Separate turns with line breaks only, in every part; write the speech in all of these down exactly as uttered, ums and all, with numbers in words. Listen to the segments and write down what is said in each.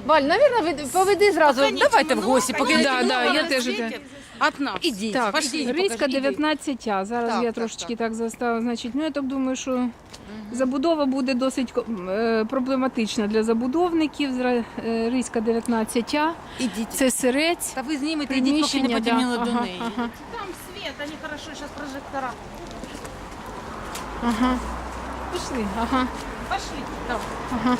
Валь, навірно, поведи зразу. Давайте в гості, поки
поки
да, да, я теж.
От нас.
Ідіть,
Так,
пошліть,
Ризька
покажіть, ідіть.
дев'ятнадцять А. Зараз
Так,
я
так,
трошечки
так.
так заставила. Значить, ну я так думаю, що забудова буде досить е, проблематична для забудовників. Зра- е, Ризька дев'ятнадцять А.
Ідіть.
Це сирець.
Та ви знімете, ідіть, поки не
Приміщення,
потемніло
да.
до
Ага,
неї.
ага.
Там свет, они хорошо сейчас прожектора.
Ага. Пішли. Ага.
Пошли.
Ага.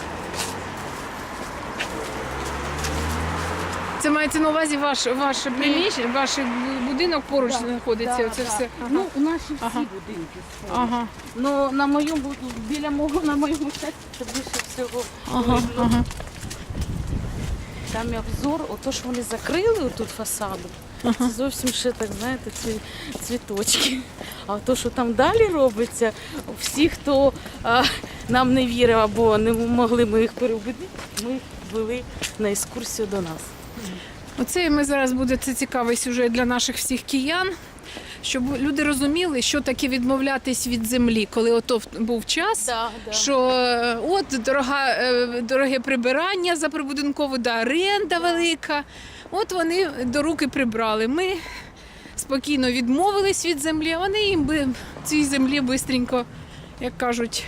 Це мається на увазі ваш, ваш приміщення, ваш будинок поруч знаходиться. Оце все. Ага.
Ну, наші всі
Ага.
будинки.
Ага.
Ну, на моєму, біля мого, на моєму щасті, це більше всього.
Ага.
видно.
Ага.
Там і обзор, ото ж вони закрили отут фасаду. Це зовсім ще так, знаєте, ці цвіточки. А то, що там далі робиться, всі, хто а, нам не вірив або не могли ми їх переубедити, ми їх вели на екскурсію до нас.
Оце ми зараз буде це цікавий сюжет для наших всіх киян, щоб люди розуміли, що таке відмовлятись від землі, коли ото був час.
Да, да.
Що е, от дорога, е, дороге прибирання за прибудинкову, да, оренда велика. От вони до руки прибрали. Ми спокійно відмовились від землі, а вони їм би цій землі бистренько, як кажуть,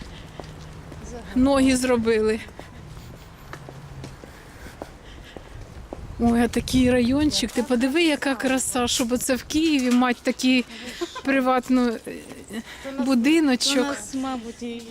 ноги зробили. Ой, а такий райончик, ти подиви, яка краса, щоб оце в Києві мати такий приватний е,
У
будиночок.
нас, мабуть, і